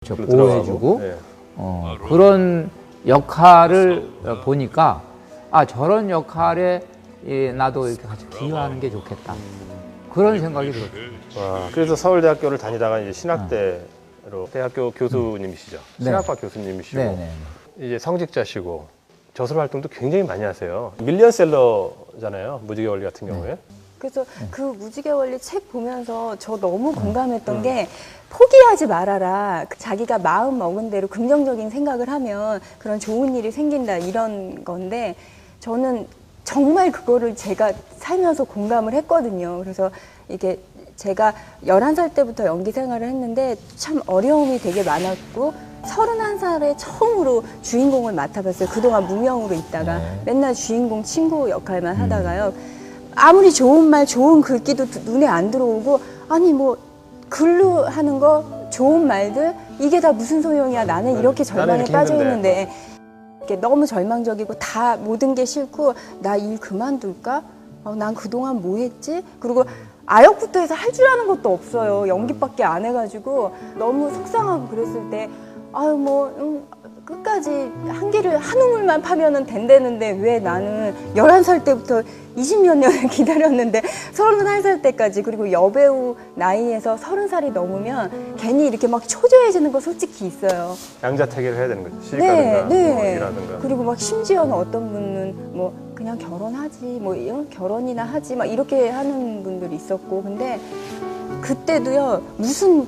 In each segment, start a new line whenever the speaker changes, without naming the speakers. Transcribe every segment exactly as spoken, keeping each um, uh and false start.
보호해주고 네. 어, 그런 역할을 보니까 아 저런 역할에 예, 나도 이렇게 같이 기여하는 게 좋겠다. 그런 생각이 들었어요.
와, 그래서 서울대학교를 다니다가 이제 신학대로 대학교 교수님이시죠.
네.
신학과 교수님이시고
네, 네.
이제 성직자시고 저술 활동도 굉장히 많이 하세요. 밀리언셀러잖아요. 무지개 원리 같은 경우에.
그래서 그 무지개 원리 책 보면서 저 너무 공감했던 게 포기하지 말아라. 자기가 마음 먹은 대로 긍정적인 생각을 하면 그런 좋은 일이 생긴다 이런 건데 저는 정말 그거를 제가 살면서 공감을 했거든요. 그래서 이게 제가 열한 살 때부터 연기 생활을 했는데 참 어려움이 되게 많았고 서른한 살에 처음으로 주인공을 맡아봤어요. 그동안 무명으로 있다가
네.
맨날 주인공 친구 역할만 하다가요. 아무리 좋은 말, 좋은 글귀도 눈에 안 들어오고 아니 뭐 글로 하는 거 좋은 말들 이게 다 무슨 소용이야. 나는 이렇게 절망에 빠져 있는데 이렇게 너무 절망적이고 다 모든 게 싫고 나 일 그만둘까? 어, 난 그동안 뭐 했지? 그리고 아역부터 해서 할 줄 아는 것도 없어요. 연기밖에 안 해가지고 너무 속상하고 그랬을 때 아유 뭐 음, 끝까지 한계를 한 우물만 파면은 된다는데 왜 나는 열한 살 때부터 이십몇 년을 기다렸는데 서른한 살 때까지 그리고 여배우 나이에서 서른 살이 넘으면 괜히 이렇게 막 초조해지는 거 솔직히 있어요.
양자택일을 해야 되는 거죠. 시집가든가
네,
뭐
네.
일하든가.
그리고 막 심지어는 어떤 분은 뭐 그냥 결혼하지 뭐 어, 결혼이나 하지 막 이렇게 하는 분들이 있었고 근데 그때도요 무슨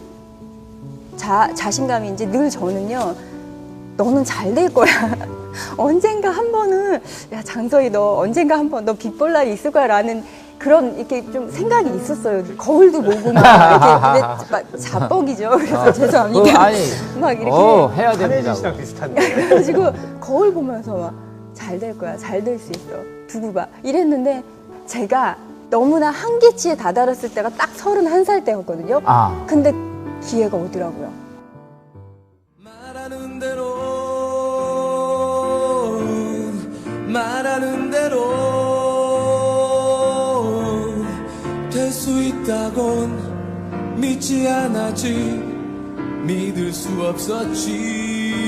자, 자신감인지 늘 저는요 너는 잘 될 거야. 언젠가 한 번은 야 장서희 너 언젠가 한 번 너 빛볼 날이 있을 거야 라는 그런 이렇게 좀 생각이 있었어요. 거울도 보고 막 이렇게 막 자뻑이죠. 그래서
아,
죄송합니다.
어, 아니,
막 이렇게
어, 해야 됩니다.
한혜진 씨랑 비슷한데.
그래가지고 거울 보면서 막 잘 될 거야. 잘 될 수 있어. 두고 봐. 이랬는데 제가 너무나 한계치에 다다랐을 때가 딱 서른한 살 때였거든요.
아.
근데 기회가 오더라고요.
말하는 대로 말하는 대로 될 수 있다곤 믿지 않았지 믿을 수 없었지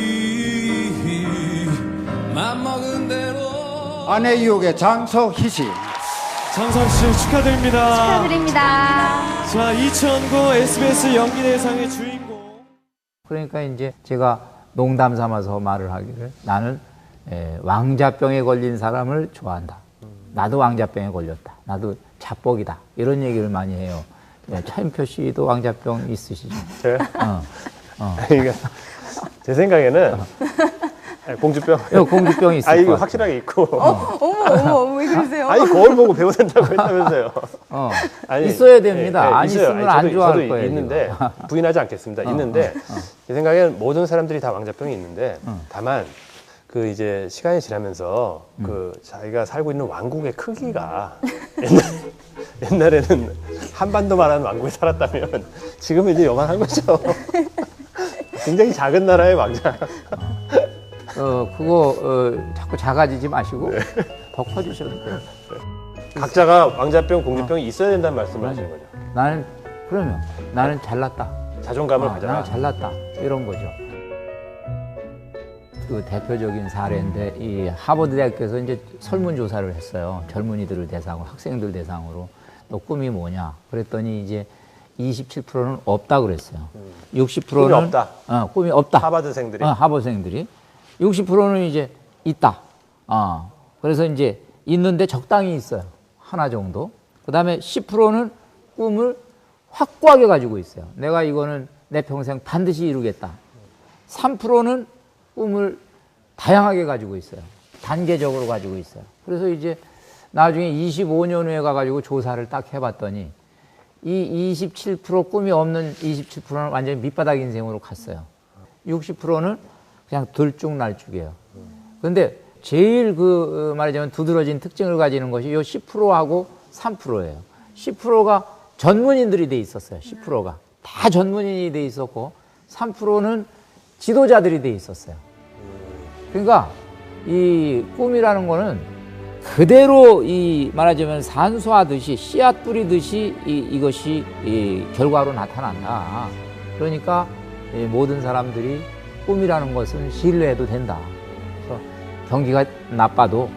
맘먹은 대로
아내 유혹의 장서희 씨.
장서희 씨 축하드립니다.
축하드립니다.
자, 이천구 에스비에스 연기대상의 주인공.
그러니까 이제 제가 농담 삼아서 말을 하기를 나는 에, 왕자병에 걸린 사람을 좋아한다. 나도 왕자병에 걸렸다. 나도 자뻑이다. 이런 얘기를 많이 해요. 네, 차인표 씨도 왕자병 있으시죠?
저요?
어, 어.
그러니까 제 생각에는 공주병.
어, 공주병이 있을
아,
것
이거
같아요.
확실하게 있고.
어, 어머 어머 어머 왜 그러세요?
아니 거울 보고 배우 된다고 했다면서요.
어,
아니,
있어야 됩니다.
예, 예,
안
있어요.
있으면
아니,
안
저도,
좋아할
저도
거예요.
있는데
지금.
부인하지 않겠습니다.
어,
있는데
어, 어.
제 생각에는 모든 사람들이 다 왕자병이 있는데
어.
다만 그 이제 시간이 지나면서
음.
그 자기가 살고 있는 왕국의 크기가 옛날, 옛날에는 한반도만한 왕국에 살았다면 지금은 이제 요만한 거죠. 굉장히 작은 나라의 왕자.
어, 그거 어, 자꾸 작아지지 마시고 더 커지셔도 돼요.
각자가 왕자병, 공주병이 있어야 된다는 말씀을 하시는 거죠.
나는 그러면 나는 잘났다.
자존감을
아,
가져라.
나는 잘났다. 이런 거죠. 그 대표적인 사례인데 이 하버드 대학교에서 이제 설문조사를 했어요. 젊은이들을 대상으로, 학생들 대상으로. 너 꿈이 뭐냐? 그랬더니 이제 이십칠 퍼센트는 없다 그랬어요.
음.
육십 퍼센트는
꿈이 없다.
어, 꿈이 없다.
하버드생들이.
어, 하버드생들이. 육십 퍼센트는 이제 있다. 어, 그래서 이제 있는데 적당히 있어요. 하나 정도. 그 다음에 십 퍼센트는 꿈을 확고하게 가지고 있어요. 내가 이거는 내 평생 반드시 이루겠다. 삼 퍼센트는 꿈을 다양하게 가지고 있어요. 단계적으로 가지고 있어요. 그래서 이제 나중에 이십오 년 후에 가가지고 조사를 딱 해봤더니 이 이십칠 퍼센트 꿈이 없는 이십칠 퍼센트는 완전히 밑바닥 인생으로 갔어요. 육십 퍼센트는 그냥 들쭉날쭉이에요. 그런데 제일 그 말하자면 두드러진 특징을 가지는 것이 이 십 퍼센트하고 삼 퍼센트예요. 십 퍼센트가 전문인들이 돼 있었어요. 십 퍼센트가 다 전문인이 돼 있었고 삼 퍼센트는 지도자들이 돼 있었어요. 그러니까 이 꿈이라는 거는 그대로 이 말하자면 산수하듯이 씨앗 뿌리듯이 이, 이것이 이 결과로 나타난다. 그러니까 이 모든 사람들이 꿈이라는 것은 신뢰해도 된다. 그래서 경기가 나빠도